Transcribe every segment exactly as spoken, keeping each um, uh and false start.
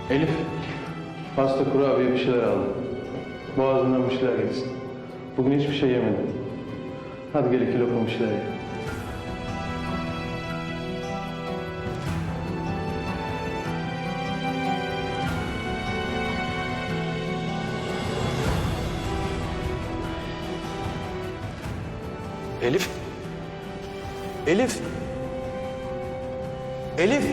Elif, pasta, kurabiye bir şeyler aldım. Boğazından bir şeyler geçsin. Bugün hiçbir şey yemedim. Hadi gel iki lokma bir şeyler ye. Elif. Elif. Elif.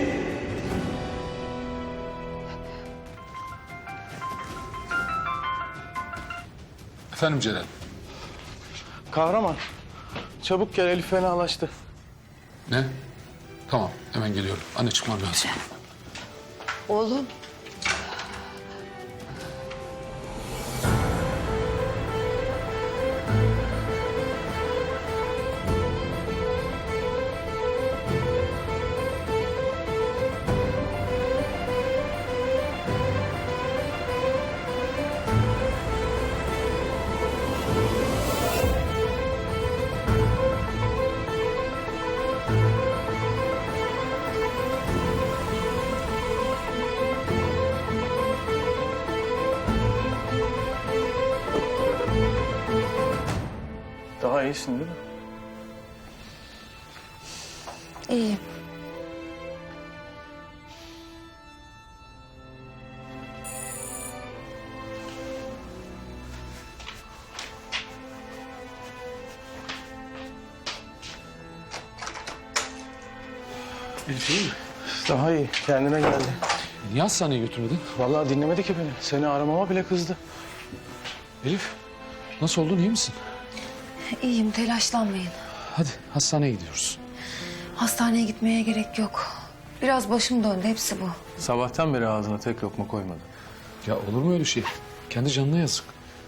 Efendim Celal. Kahraman, çabuk gel, Elif fenalaştı. Ne? Tamam, hemen geliyorum. Anne çıkmam lazım. Oğlum. Daha iyisin değil mi? İyiyim. Elif iyi mi? Daha iyi, kendine geldi. Niye hastaneye götürmedin? Vallahi dinlemedi ki beni. Seni aramama bile kızdı. Elif, nasıl oldun, iyi misin? İyiyim, telaşlanmayın. Hadi hastaneye gidiyoruz. Hastaneye gitmeye gerek yok. Biraz başım döndü, hepsi bu. Sabahtan beri ağzına tek lokma koymadı. Ya olur mu öyle şey? Kendi canına yazık.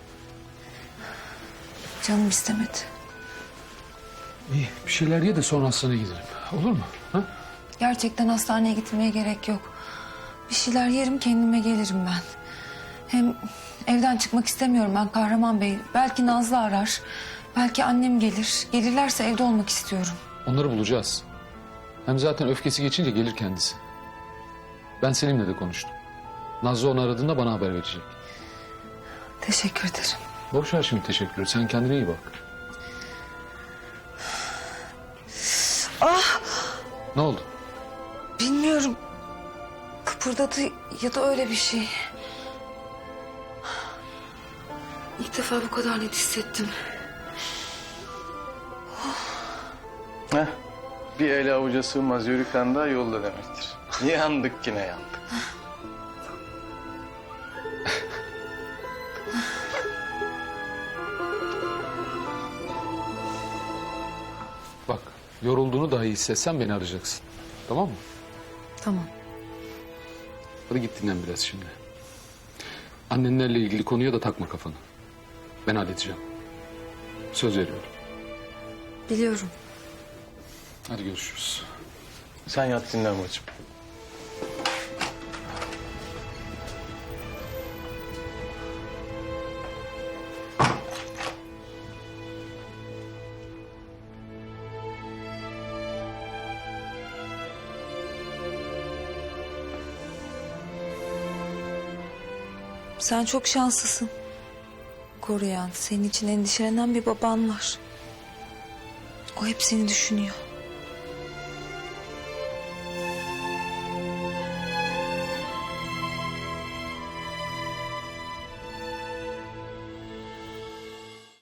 Canım istemedi. İyi, bir şeyler ye de sonra hastaneye gidelim. Olur mu? Ha? Gerçekten hastaneye gitmeye gerek yok. Bir şeyler yerim, kendime gelirim ben. Hem evden çıkmak istemiyorum ben Kahraman Bey. Belki Nazlı arar. Belki annem gelir. Gelirlerse evde olmak istiyorum. Onları bulacağız. Hem zaten öfkesi geçince gelir kendisi. Ben Selim'le de konuştum. Nazlı onu aradığında bana haber verecek. Teşekkür ederim. Boş ver şimdi teşekkür. Sen kendine iyi bak. Ah! Ne oldu? Bilmiyorum. Kıpırdadı ya da öyle bir şey. İlk defa bu kadar net hissettim. Heh, bir ele avuca sığmaz yürüken daha yolda demektir. Yandık yine yandık. Bak, yorulduğunu dahi hissetsen beni arayacaksın. Tamam mı? Tamam. Hadi git dinlen biraz şimdi. Annenlerle ilgili konuya da takma kafanı. Ben halledeceğim. Söz veriyorum. Biliyorum. Hadi görüşürüz. Sen yat dinlen bacım. Sen çok şanslısın. Koruyan, senin için endişelenen bir baban var. O hep seni düşünüyor.